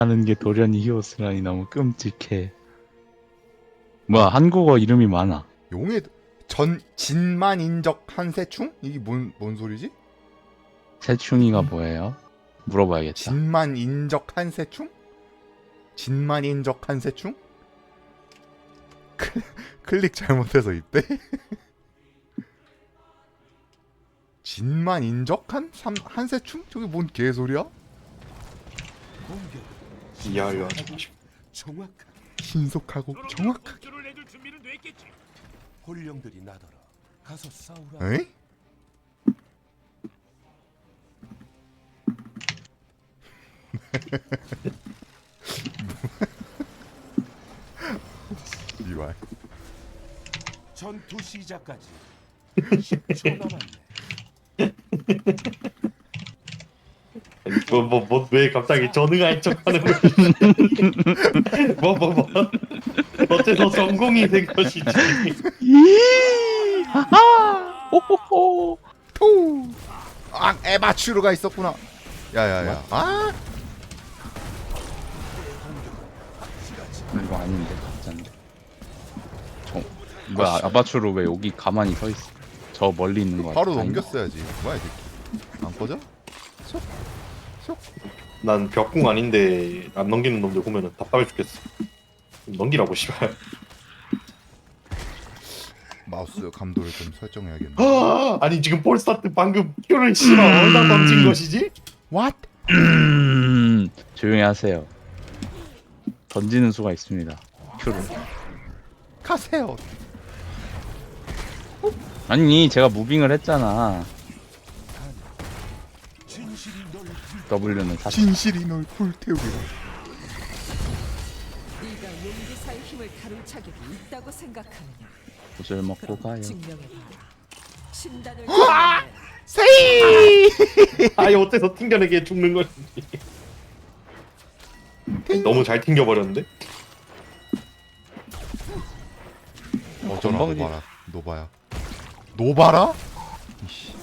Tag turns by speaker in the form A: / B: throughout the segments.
A: 하는 게 도련이 히오스라니 너무 끔찍해. 뭐야, 한국어 이름이 많아.
B: 용의 진만인적 한세충? 이게 뭔 소리지?
A: 새충이가 뭐예요? 물어봐야겠다.
B: 진만인적 한세충? 진만인적 한세충? 클릭 잘못해서 입대? 진만인적 한세충? 저게 뭔 개소리야?
C: 이해하려
B: 신속하고 정확하게.
D: 혼령들이 나더러 가서 싸우라.
B: 에이? 이발.
D: 전투 시작까지 10초 남았네.
C: 왜 갑자기 전응할 척하는 거지? 뭐 어째서 성공이 된 것이지?
A: 하하! 호호호!
B: 토! 아, 에바츄르가 있었구나. 야야야. 아!
A: 이거 아닌데, 가짜인데. 뭐야, 아바추로 왜 여기 가만히 서 있어? 저 멀리 있는 거 같아.
B: 바로 넘겼어야지. 뭐야 이 새끼. 안 꺼져? 쏙. 쏙.
C: 난 벽궁 아닌데 안 넘기는 놈들 보면은 답답해 죽겠어. 넘기라고 씨발.
B: 마우스 감도를 좀 설정해야겠네.
C: 아니 지금 폴스타트 방금 큐를 씨발 어디다 던진 것이지?
B: What?
A: 조용히 하세요. 던지는 수가 있습니다. 큐를.
B: 가세요.
A: 아니, 제가 무빙을 했잖아. W는 사실
B: 진실이 널 불태우리라.
E: 네가 용기사의 힘을 다룰 자격이 있다고 생각하느냐?
A: 구슬 먹고 가요.
E: 증명해봐라. 신단을
B: 세이!
C: 아예 어때서 튕겨내게 죽는 것이지? 너무 잘 튕겨버렸는데?
B: 어쩌나
A: 건방지-
B: 노바라. 노바야. 노바라? 이씨.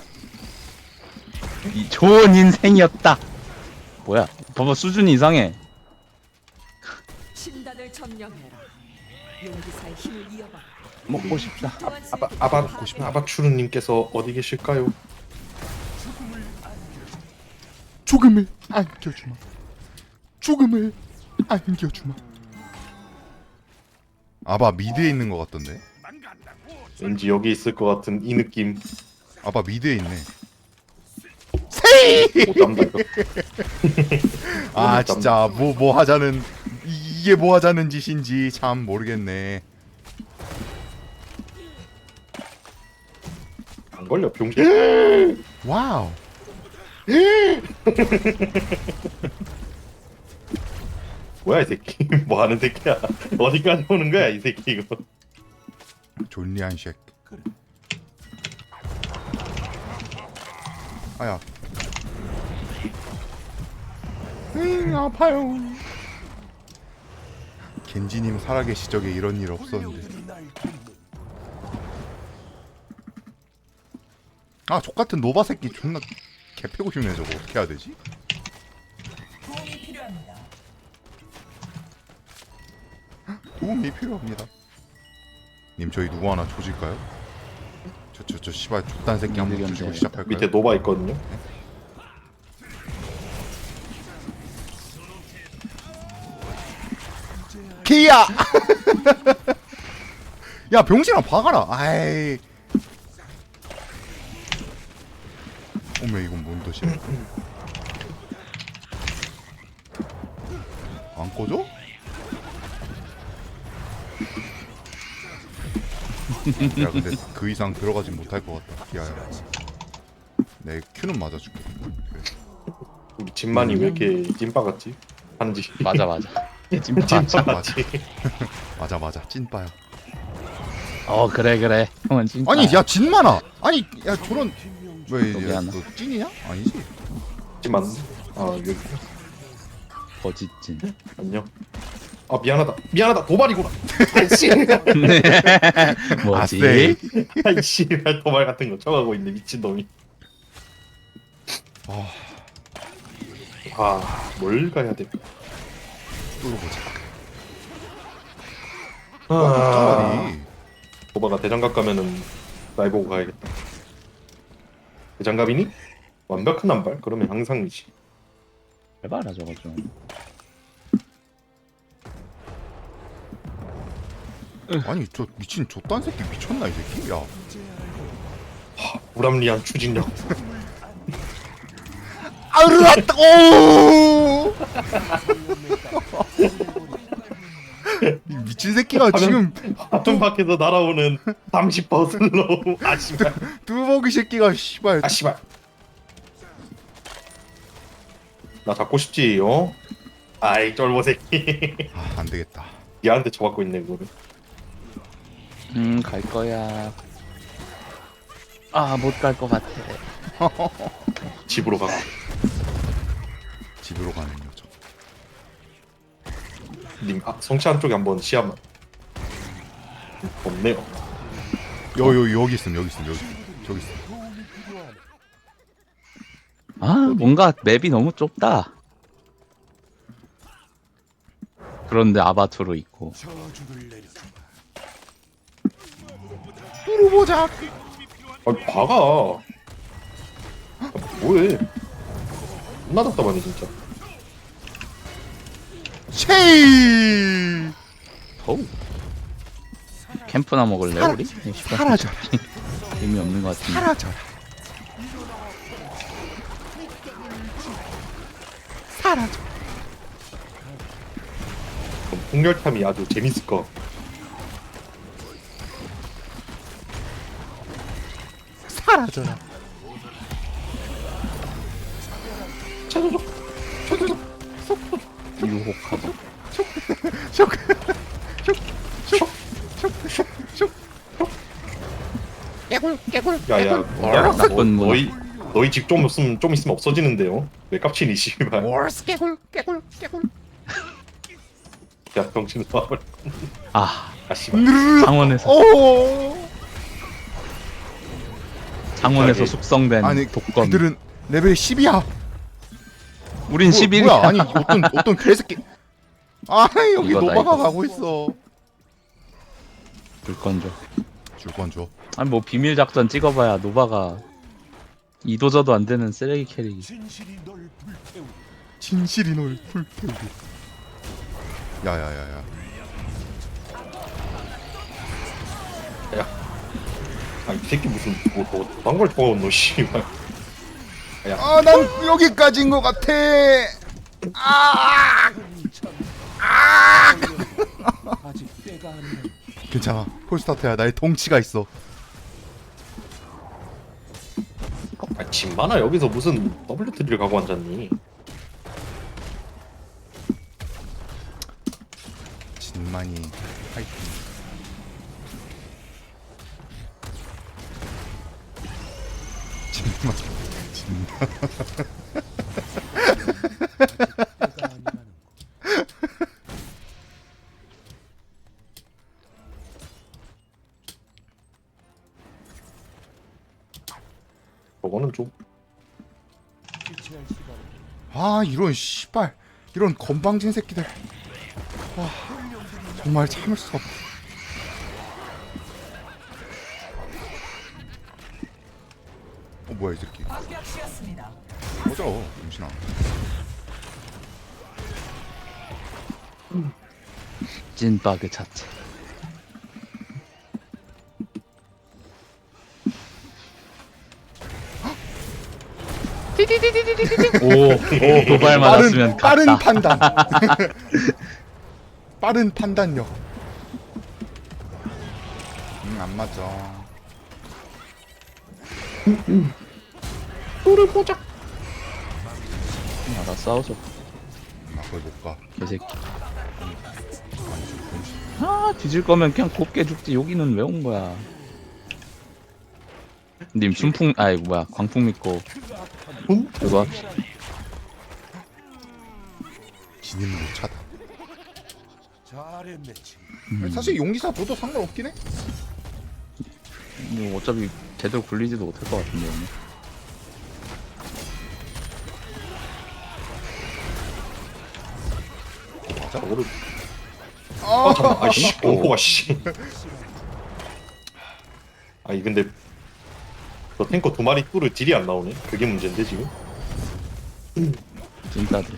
A: 이 좋은 인생이었다. 뭐야? 봐봐, 수준이 이상해.
E: 신단을 점령해라. 용기사의 힘을 이어봐.
A: 먹고 싶다.
C: 아바추르님께서 어디 계실까요?
B: 죽음을 안겨주마. 죽음을 안겨주마. 아바 미드에 있는 것 같던데.
C: 왠지 여기 있을 것 같은 이 느낌.
B: 아바 미드에 있네.
C: 오담다 이거.
B: 아 진짜 뭐 하자는 이게 뭐 하자는 짓인지 참 모르겠네.
C: 안 걸려 병신.
B: 와우.
C: 뭐야 이 새끼? 뭐 하는 새끼야? 어디까지 오는 거야 이 새끼 이거?
B: 존리한 쉑. 아야. 아파요. 겐지님 살아계시 적에 이런 일 없었는데.
D: 혼령들이 날 돕는
B: 아 족같은 노바 새끼 존나 개패고 싶네. 저거 어떻게 해야 되지? 도움이 필요합니다. 님 저희 누구 하나 조질까요? 저 씨발 족단 새끼 한번 조지고 시작할까요?
C: 밑에 노바 있거든요.
B: 기야! 야 병신아 박아라. 아이. 어메 이건 뭔 뜻이야? 안 꺼져? 야 근데 그 이상 들어가진 못할 것 같다. 야야. 내 큐는 맞아줄게.
C: 우리 진만이 왜 이렇게 찐빠 같지? 한지.
A: 맞아. 찐파.
C: 찐빠 같지.
B: 맞아 찐빠야.
A: 그래. 형은 찐파.
B: 아니 야 진만아. 아니 야 저런 왜
A: 여기
B: 야,
A: 하나.
B: 너 찐이냐? 아니지.
C: 찐만. 아 여기.
A: 거짓진.
C: 안녕. 아 미안하다 도발이구나. 아이씨.
A: 뭐지?
B: 아쎄.
C: 아이씨 도발 같은 거 쳐가고 있네 미친 놈이. 뭘 가야 돼?
B: 뚫어보자.
C: 아,
B: 아니
C: 도바가 대장갑 가면은 날 보고 가야겠다. 대장갑이니? 완벽한 한발? 그러면 항상이지.
A: 해봐라 저거 좀.
B: 아니 저 미친 저딴 새끼 미쳤나 이 새끼? 야
C: 불합리한 추진력.
B: 아르았다 오 이 미친 새끼가 지금
C: 화면 밖에서 날아오는 30%슬로우. 아 씨발.
B: 뚜벅이 새끼가 씨발
C: 아 씨발. 나 잡고 싶지 어? 아이 쫄보 새끼.
B: 아 안되겠다.
C: 얘한테 쳐받고 있네 그거를.
A: 갈 거야. 아 못 갈 것 같아.
C: 집으로 가.
B: 집으로 가는 여정.
C: 님 성취한 쪽에 한번 시야만. 없네요.
B: 여기 있음 저기 있음.
D: 도움이 필요하네.
A: 아 뭔가 맵이 너무 좁다. 그런데 아바투로 있고.
D: 저주를 내려주마.
B: 뚫어보자.
C: 아니 박아. 아, 뭐해? 존나 답답하네 진짜.
B: 쉐이
A: 어우. 캠프나 먹을래 우리?
B: 사라져라
A: 의미 없는 것 같은데.
B: 사라져라 사라져.
C: 그럼 폭렬탐이 아주 재밌을 거.
B: 사라져라.
C: 찾아줘.
A: 유혹하고.
C: 야야. 야,
A: 나쁜 문화.
C: 너희 집 좀 있으면 없어지는데요. 왜 깝치니 씨발.
B: 월스 깨굴.
C: 야 병신 나와버려.
A: 아
C: 아 씨발.
A: 창원에서
B: 오.
A: 창원에서
C: 갑자기.
A: 숙성된
B: 아니
A: 독건.
B: 그들은 레벨 10이야.
A: 우린 11이야.
B: 뭐야? 아니 어떤 개새끼. 아 여기
A: 이거다,
B: 노바가
A: 이거.
B: 가고 있어.
A: 물건 줘.
B: 줄 건 줘.
A: 아니 뭐 비밀 작전 찍어봐야 노바가 이도저도 안 되는 쓰레기 캐릭.
D: 진실이 널 불태우리.
B: 진실이 널 불태우리. 야야야야.
C: 아이 새끼 무슨 뭐딴걸 좋아하는 너 씨발.
B: 아 난 여기까지인 것 같아.
D: 아직 때가 안 됐.
B: 괜찮아. 폴스타트야. 나의 덩치가 있어.
C: 아 진만아 여기서 무슨 WT를 가고 앉았니?
B: 진만이 파이팅. 진만.
D: 때가 아니라는 거.
C: 저거는 좀
D: 지체할 시간.
B: 아 이런 씨발 이런 건방진 새끼들. 와 정말 참을 수 없다. 뭐야 이 새끼. 꺼져 임신아.
A: 찐바그 자체. 오 도발 맞았으면
B: 빠른
A: 갔다.
B: 판단. 빠른 판단력. 안 맞아.
A: 나 싸워서
B: 나 거기 못 가.
A: 개새끼. 아 뒤질 거면 그냥 곱게 죽지. 여기는 왜 온 거야? 님 순풍 아이 뭐야 광풍 믿고 그거 합시다.
B: 진입 못 차다.
D: 잘했네 친구.
B: 사실 용기사 줘도 상관없긴 해.
A: 뭐 어차피 제대로 굴리지도 못할 것 같은데 오늘.
B: 맞아?
C: 오른. 아 잠깐. 아이씨 공포가 씨. 아니 근데 저 탱커 두 마리 뚫을 딜이 안 나오네. 그게 문제인데 지금.
A: 찐따들.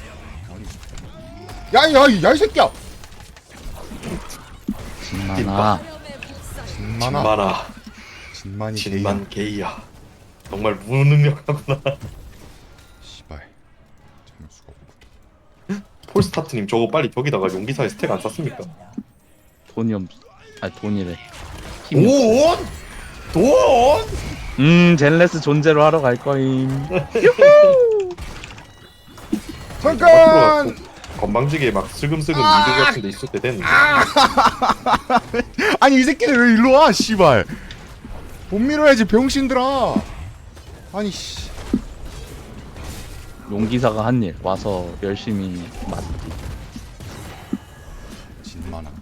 B: 야이 새끼야!
A: 진만아.
B: 진만아.
C: 진만아.
B: 진만이
C: 진만 게이야. 정말 무능력하구나.
B: 씨발. 참을 수가 없고.
C: 폴스타트님 저거 빨리 저기다가 용기사에 스택 안 쌌습니까?
A: 돈이 없. 아니 돈이래. 힘이 없어.
C: 돈?
A: 젠레스 존재로 하러 갈 거임.
B: 잠깐!
C: 건방지게 막 슬금슬금 미드 같은 데 있을 때 됐는데.
B: 아니 이 새끼들 왜 일로 와 씨발. 못 밀어야지 병신들아. 아니 씨.
A: 용기사가 한 일 와서 열심히 맞지.
B: 진만아.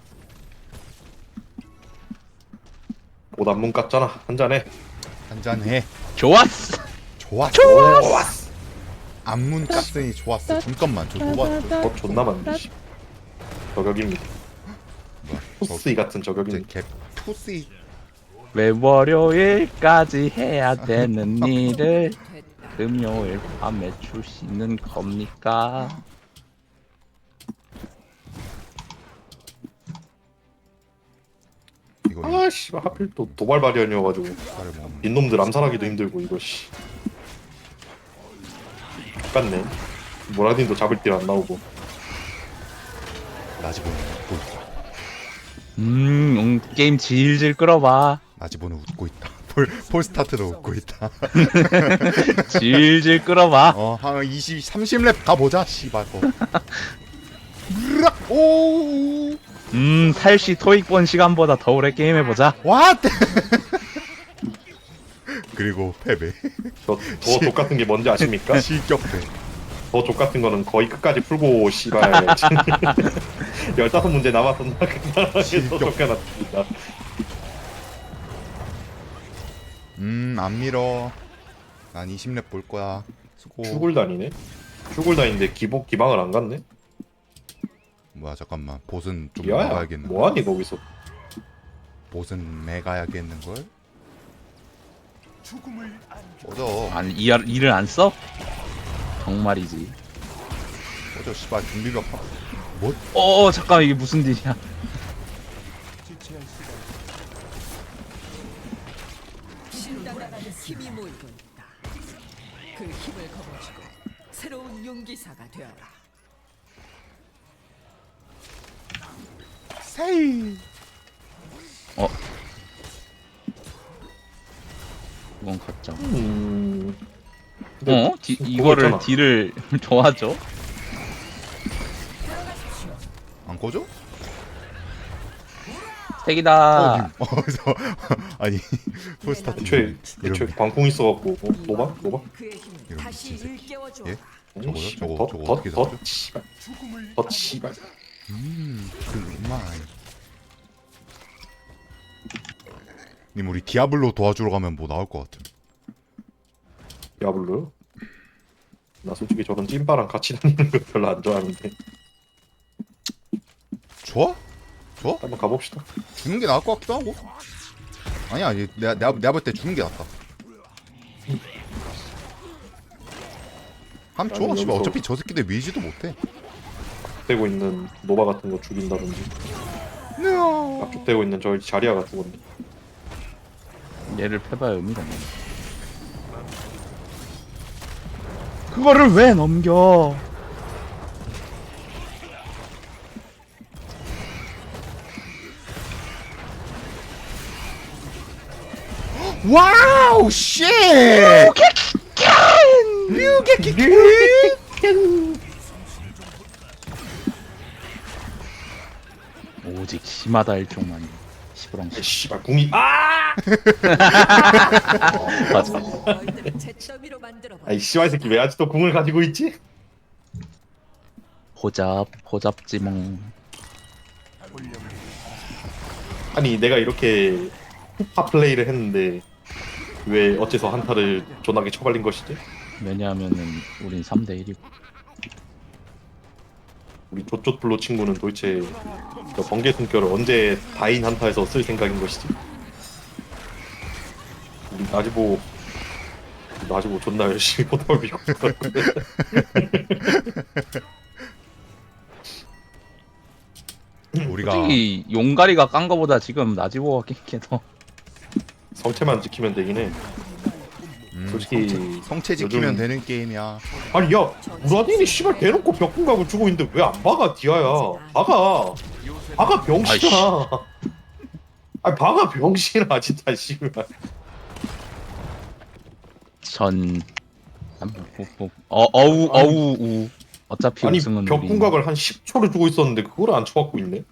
C: 옷 안문 깠잖아. 한잔해.
B: 한잔해.
A: 좋았어.
B: 좋았어. 안문 깠으니 좋았어. 잠깐만 저 노바
C: 존나 많네. 씨. 저격입니다.
B: 뭐야?
C: 토스이 같은
B: 이제
C: 저격입니다.
B: 개 푸시.
A: 왜 월요일까지 해야 되는 일을 금요일 밤에 주시는 겁니까?
B: 이거
C: 아 씨발 하필 또 도발 발현이어가지고
B: 이빨을 먹는.
C: 빈놈들 암살하기도 힘들고 이거 씨. 똑같네. 모라딘도 잡을 딜 안 나오고.
B: 나지보는 웃고 있다.
A: 게임 질질 끌어봐.
B: 나지보는 웃고 있다. 폴스타트도 웃고 있다.
A: 질질 끌어봐.
B: 한 30렙 가보자 씨발 거. 으락! 오.
A: 살시 토익본 시간보다 더 오래 게임해보자.
B: 왓! 그리고 패배.
C: 더 족같은 게 뭔지 아십니까?
B: 실격패.
C: 더 족같은 거는 거의 끝까지 풀고 씨발 15문제 남았었나? 그나라에서 쫓겨났습니다.
B: 안 밀어. 난 20렙 볼 거야. 수고.
C: 출골단이네? 출골단인데 기방을 안 갔네?
B: 뭐야 잠깐만. 보스는 좀
C: 야야
B: 막아야겠는.
C: 뭐하니 거기서.
B: 보스는 매가야겠는 걸.
D: 죽음을
B: 꺼져.
A: 아니 일을 안 써? 정말이지.
B: 꺼져 씨발 준비가 뭐?
A: 잠깐 이게 무슨 일이야?
D: 지체할 수가
E: 신당라는 힘이 모이고 있다. 그 힘을 거머쥐고 새로운 용기사가 되어라.
B: 세이.
A: 이건 가짜.
C: 근데
A: 이거를
C: 있잖아.
A: 딜을 도와줘?
B: 안 꺼져?
A: 스택이다.
B: 그래서 아니 폴스타트
C: 애초에
B: 이런
C: 광풍 있어갖고 노바?
E: 그의 힘을
B: 이런
E: 다시
B: 미친 새끼.
E: 일깨워 주어.
B: 예? 저거요?
C: 씨발,
B: 저거 어떻게
C: 더
B: 잡죠?
C: 씨발
D: 죽음을
C: 더 씨발.
B: 그만. 님 우리 디아블로 도와주러 가면 뭐 나올 것 같음.
C: 디아블로요? 나 솔직히 저런 찐빠랑 같이 다니는 거 별로 안 좋아하는데
B: 좋아? 좋아?
C: 한번 가봅시다.
B: 주는 게 나을 것 같기도 하고. 아니야, 내가 볼 때 주는 게 낫다. 함 좋아,
C: 아니,
B: 씨발.
C: 여기서-
B: 어차피 저 새끼들 밀지도 못해.
C: 되고 있는 노바 같은 거 죽인다든지 압축되고 있는 저 자리아 같은 건데.
A: 얘를 패봐야 의미가 없네. 그거를 왜 넘겨?
B: 와우, 쉣!
A: 오직 심하다 일종만이 시부렁.
C: 이 씨발 궁이 아!
A: 맞아.
E: 너희들을 잿더미로 만들어 봐.
C: 아이 씨발 새끼 왜 아직도 궁을 가지고 있지?
A: 호잡지몽.
C: 아니 내가 이렇게 파 플레이를 했는데 왜 어째서 한타를 존나게 쳐발린 것이지?
A: 왜냐하면은 우린 3대 1이고.
C: 우리 조조플로 친구는 도대체 저 번개 숨결을 언제 다인 한타에서 쓸 생각인 것이지? 우리 나지보 존나 열심히 포탑을 밀고 있더라고요.
B: 우리가
A: 솔직히 용가리가 깐 거보다 지금 나지보가 깬게 더.
C: 성체만 지키면 되긴 해. 솔직히
B: 성체 지키면
C: 요즘-
B: 되는 게임이야.
C: 아니 야 우라딘이 씨발 대놓고 벽궁각을 주고 있는데 왜 안 박아 디아야? 박아 병신아. 아니 박아 병신아 진짜 씨발.
A: 전 어우 어차피
C: 아니
A: 우승은
C: 벽궁각을 한 10초를 주고 있었는데 그걸 안 쳐갖고 있네.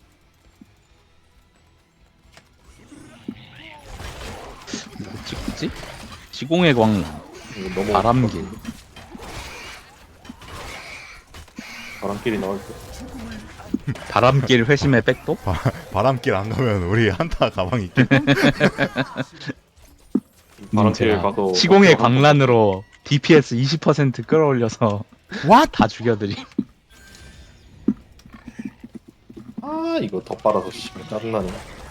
A: 우리 뭐지? 지공의 광란,
C: 이거 너무
A: 바람길.
C: 바람길이 나올 때.
A: 바람길 회심의 백도?
B: 바람길 안 가면 우리 한타 가방 있겠.
C: 바람길
A: 제가
C: 가서
A: 시공의 광란으로 DPS 20% 끌어올려서
B: What?
A: 다 죽여드림.
C: 아 이거 더 빨아서 씨발 짜증나네.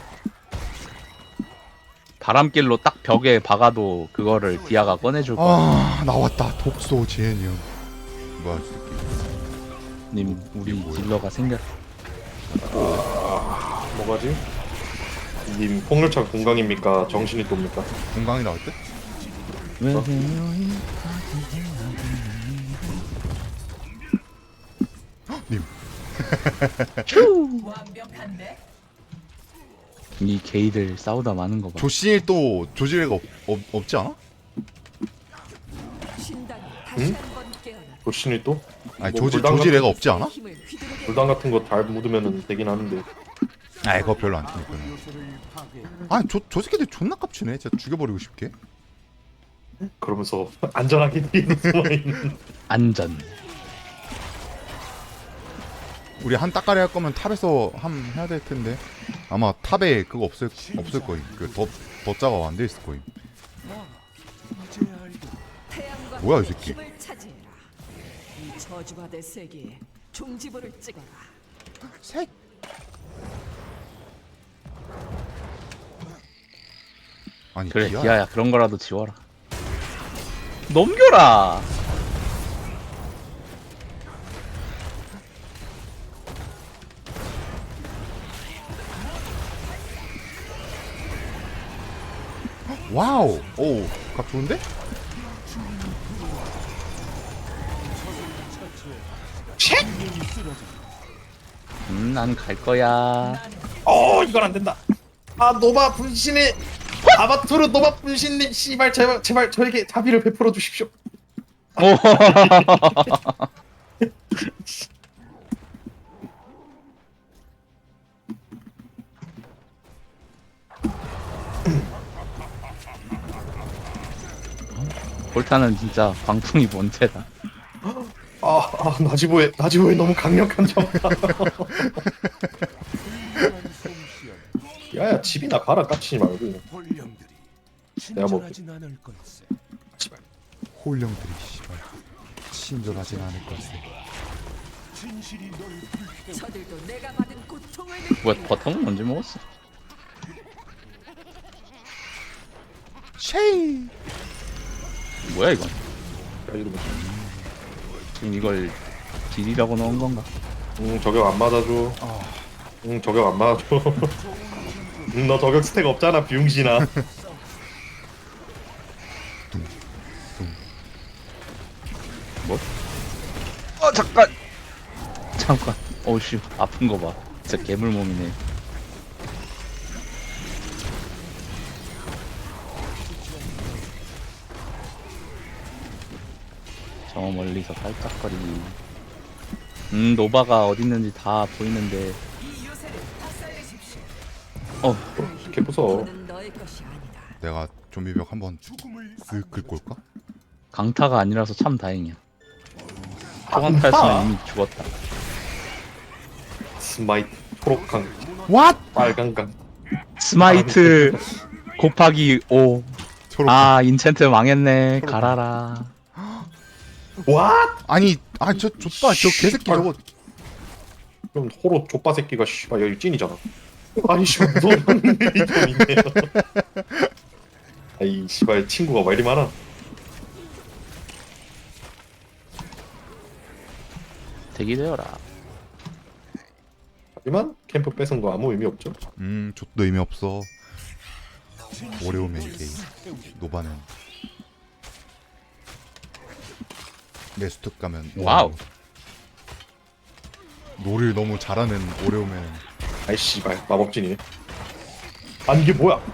A: 바람길로 딱 벽에 박아도 그거를 디아가 꺼내줄 거야.
B: 아 나왔다. 독소 제니um. 뭐야 이 새끼.
A: 님 우리 딜러가 생겼.
C: 뭐가지? 님 폭렬차 공강입니까? 정신이 돕니까?
B: 공강이 나올 때? 님.
A: 이 게이들 싸우다 마는 거 봐.
B: 조신이 또 조지레가 없지 않아?
E: 신당이
C: 응?
E: 다시 한번 깨어나
C: 조신이 또?
B: 아니
C: 뭐 불닭
B: 조지레가 없지 않아?
E: 힘을 휘두르게
C: 불당 같은 거 잘 묻으면 되긴 하는데.
B: 아 그거 별로 안 튀니까. 아니 저 새끼들 존나 깝치네. 진짜 죽여버리고 싶게.
C: 그러면서 안전하게 뒤에 숨어있는.
A: 안전.
B: 우리 한 따까리 할 거면 탑에서 해야 될 텐데 아마 탑에 그거 없을 거임. 그 덧자가 안 돼 있을 거임.
D: 이제야 알고
E: 태양과
B: 뭐야, 이 새끼.
E: 힘을 차지해라. 이 저주받을 세계에 종지부를 찍어라.
B: 색. 아니
A: 그래
B: 디아야.
A: 디아야 그런 거라도 지워라. 넘겨라.
B: 와우. 오, 각 좋은데?
A: 난 갈 거야.
C: 이건 안 된다. 아 노바 분신의 아바투르 노바 분신님 씨발 제발 저에게 자비를 베풀어 주십시오.
A: 오. 볼타는 진짜 광풍이 뭔데다.
C: 나지보의 너무 강력한 점파. 야야 집이나 가라 깝치지 말고.
D: 홀령들이
C: 내가 뭐-
D: 친절하진 않을 걸세.
B: 홀령들이 씨발 친절하진 않을 것을.
D: 진실이 널 불태워
E: 저들도 내가 받은 고통을 느끼.
A: 뭐야 버텀은 언제 먹었어?
B: 쉐이.
A: 뭐야 이건?
C: 야, 이러면.
A: 지금 이걸 딜이라고 넣은 건가?
C: 저격 안 맞아줘. 저격 안 맞아줘. 너 저격 스택 없잖아 비용신아.
A: 뭐? 잠깐. 어우씨 아픈 거 봐. 진짜 괴물 몸이네. 저 멀리서 깔짝거리기. 노바가 어딨는지 다 보이는데.
E: 이 요새를 박살내십시오.
C: 개 무서워.
E: 는 너의 것이 아니다.
B: 내가 좀비벽 한번
D: 죽음을
B: 쓱 긁고 올까?
A: 강타가 아니라서 참 다행이야. 초강타였으면 이미 죽었다.
C: 스마이트 초록강
B: What?
C: 빨강강.
A: 스마이트 곱하기 5.
B: 초록.
A: 아 인챈트 망했네. 갈아라.
C: 와?
B: 아니 저 좆봐 저 개새끼 저거
C: 그럼 호로 족바 새끼가 씨발 여기 찐이잖아. 아니 씨발 무서운 일이 좀 있네요. 아이 씨발 친구가 왜 이리 많아?
A: 대기되어라.
C: 하지만 캠프 뺏은 거 아무 의미 없죠.
B: 족도 의미 없어. 오레오맨 게임. 노바는 레스톱 가면
A: 와우.
B: 노를 너무 잘하는 오레오맨.
C: 아이 씨발 마법진이네. 아니 이게 뭐야?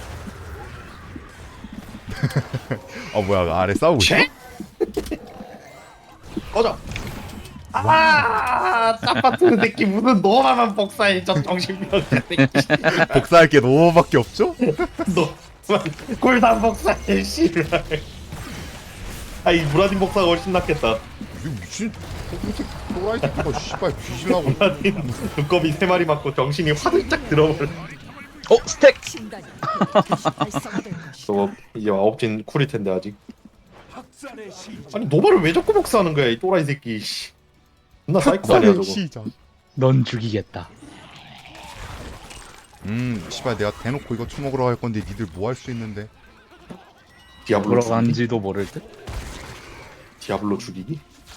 B: 아 뭐야 아래 싸우고 있어?
C: 책? 꺼져. 딱 같은 새끼 무슨 너만 복사해 저 정신병자 새끼.
B: 복사할 게 노밖에 없죠?
C: 너만 골단 복사해 씨발. 아이 무라딘 복사가 훨씬 낫겠다.
B: 이 미친 또라이 새끼가 씨발 뒤질라고.
C: 무라딘 두꺼비 3마리 맞고 정신이 화들짝 들어버려.
A: 스택.
E: 진단이 활성화될 것이다.
C: 저거 이제 아홉진 쿨일 텐데 아직.
D: 학살의 시작.
C: 아니 노바를 왜 자꾸 복사하는 거야 이 또라이 새끼. 씨. 존나 사이코 아니야 저거.
B: 시작.
A: 넌 죽이겠다.
B: 씨발 내가 대놓고 이거 처먹으러 갈 건데 니들 뭐 할 수 있는데?
C: 디아블로
A: 보러
C: 죽이기?
A: 간지도 모를 듯.
C: 디아블로 죽이기?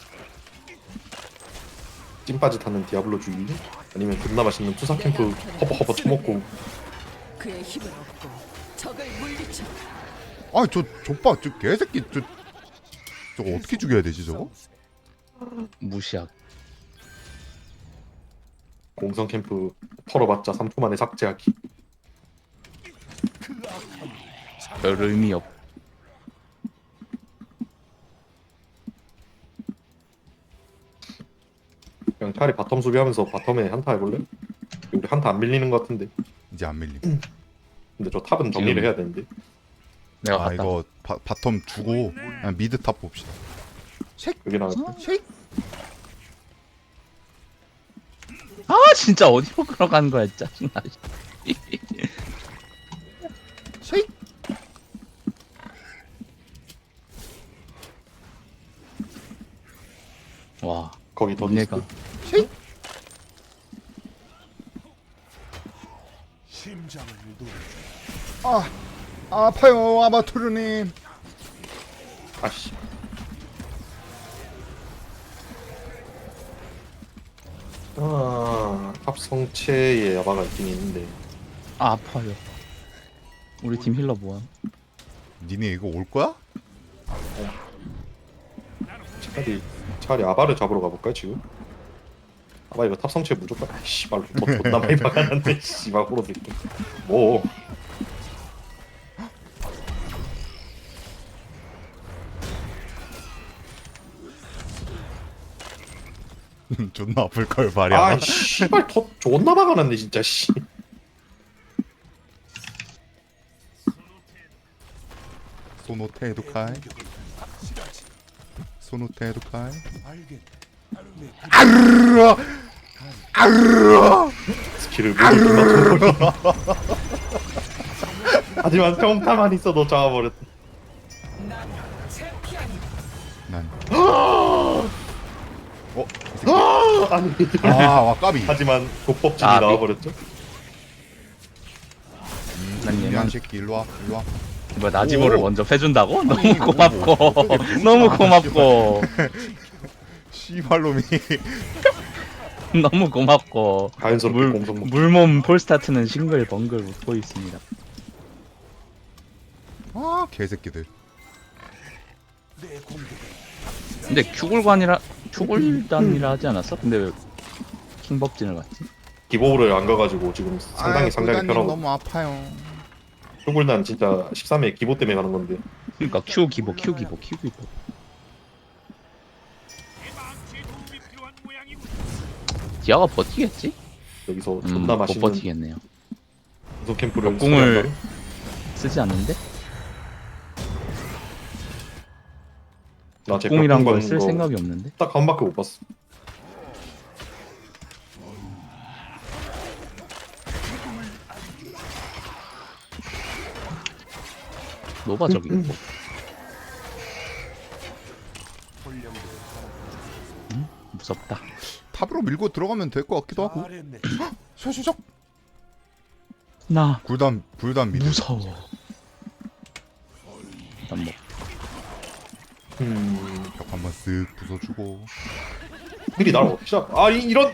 C: 찐빠지 타는 디아블로 죽이기? 아니면 존나 맛있는 투사 캠프 허버허버 처먹고.
E: 그의 힘을 얻고 적을 물리쳐.
B: 아니 저 족봐 저 개새끼 저거 어떻게 죽여야 되지 저거?
A: 무시하고.
C: 공성 캠프 털어봤자 3초 만에 삭제하기.
A: 별 의미 없.
C: 그냥 차라리 바텀 수비하면서 바텀에 한타 해볼래? 우리 한타 안 밀리는 것 같은데.
B: 이제 안 밀림.
C: 근데 저 탑은 정리를 해야 되는데.
A: 내가
B: 아
A: 갔다.
B: 이거 바텀 주고 그냥 미드 탑 봅시다.
C: 여기 나왔어.
B: 쉐이크.
A: 아 진짜 어디로 걸어간 거야 짜증나.
B: 쉐이크.
A: 와.
C: 거기 더
A: 얘가
C: 디스크.
D: 심장을 노려줘.
B: 아 아파요 아바투르님.
C: 아씨. 탑 성체에 야바가 있긴 있는데.
A: 아파요. 우리 팀 힐러 뭐야?
B: 니네 이거 올 거야?
C: 차라리 아바를 잡으러 가볼까 지금? 아바 이거 탑 성체 무조건. 아 씨발 뭐 존나 많이 박아놨네. 씨발 호로 새끼. 뭐.
B: 존나 아플 걸 말이야.
C: 아 씨발 더 존나 박아놨네 진짜 씨.
B: 소노테 에두카이. 소노테 에두카이.
D: 알겠네. 내
B: 아르르 아르르.
C: 스킬을 모두 기맞춰버려. 하지만 평타만 있어도 잡아버렸다.
B: 난. 어? 이 새끼.
C: 아니
B: 아 와까비.
C: 하지만 독법진이
A: 아,
C: 나와버렸죠.
A: 난 얘만
B: 미안 새끼 일로 와 일로 와.
A: 뭐 나지모를
B: 오.
A: 먼저 패준다고? 너무
B: 아니,
A: 고맙고
B: 어떻게
A: 너무
B: 아,
A: 고맙고
B: 씨발놈이.
A: 너무 고맙고
C: 자연스럽게 공성
A: 물몸 폴스타트는 싱글벙글 웃고 있습니다.
B: 아 개새끼들.
D: 내 공격을
A: 근데 큐굴단이라 하지 않았어? 근데 왜 킹법진을 갔지?
C: 기보를 안 가가지고 지금 상당히 상당히 편하고.
B: 너무 아파요.
C: 흉굴단 진짜 13회 기보 때문에 가는 건데.
A: 그러니까 큐 기보. 디아가 버티겠지?
C: 여기서 존나
A: 못
C: 맛있는
A: 버티겠네요.
C: 공성 캠프를
A: 궁을
C: 소개한다는?
A: 쓰지 않는데?
C: 나제
A: 궁이란 걸
C: 벽궁
A: 쓸
C: 거
A: 생각이 없는데?
C: 딱 한 바퀴 못 봤어.
A: 노바 저기 있고. 무섭다.
B: 탑으로 밀고 들어가면 될 것 같기도 하고.
D: 잘했네.
B: 샤샤샥.
A: 나
B: 불단 미드.
A: 무서워. 일단 뭐
B: 벽 한번 쓱 부숴주고.
C: 미리 날 없자. 아 이런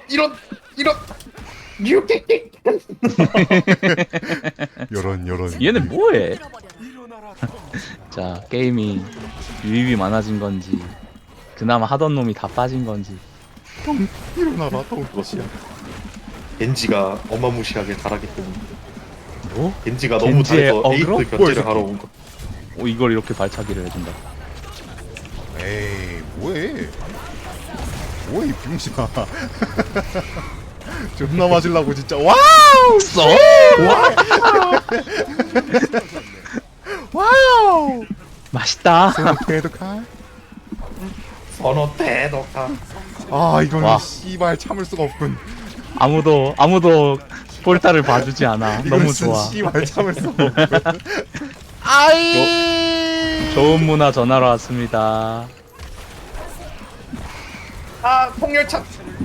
B: 여런.
A: 얘는 뭐해?
D: 일어나라.
A: 자 게임이 유입이 많아진 건지 그나마 하던 놈이 다 빠진 건지.
B: 일어나라. 또.
C: 그것이야. 겐지가 어마무시하게 잘하기 때문에.
A: 뭐?
C: 겐지가 너무
A: 겐지의
C: 잘해서
A: 어그로?
C: 에이스 견제를 하러 온 거.
A: 이걸 이렇게 발차기를 해준다.
B: 에이 뭐해? 뭐해 이 병신아. 존나 맞으려고 진짜. 와우.
A: 써?
B: 와우.
A: 맛있다.
B: 대독한.
C: 선어 대독하.
B: 아 이거는
A: 와.
B: 씨발 참을 수가 없군.
A: 아무도 폴타를 봐주지 않아. 너무
B: 이것은
A: 좋아.
B: 씨발 참을 수가 없군.
A: 좋은 문화 전하러 왔습니다.
C: 아 폭렬차.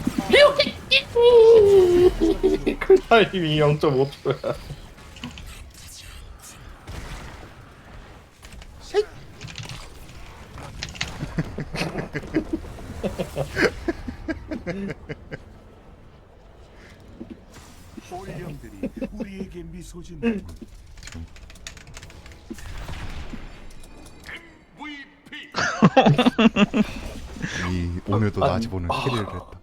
C: 클타임이 0.5초야.
D: 홀령들이 우리에게 미소 짓는
B: 이 오늘도 나지 보는 캐리를 했다.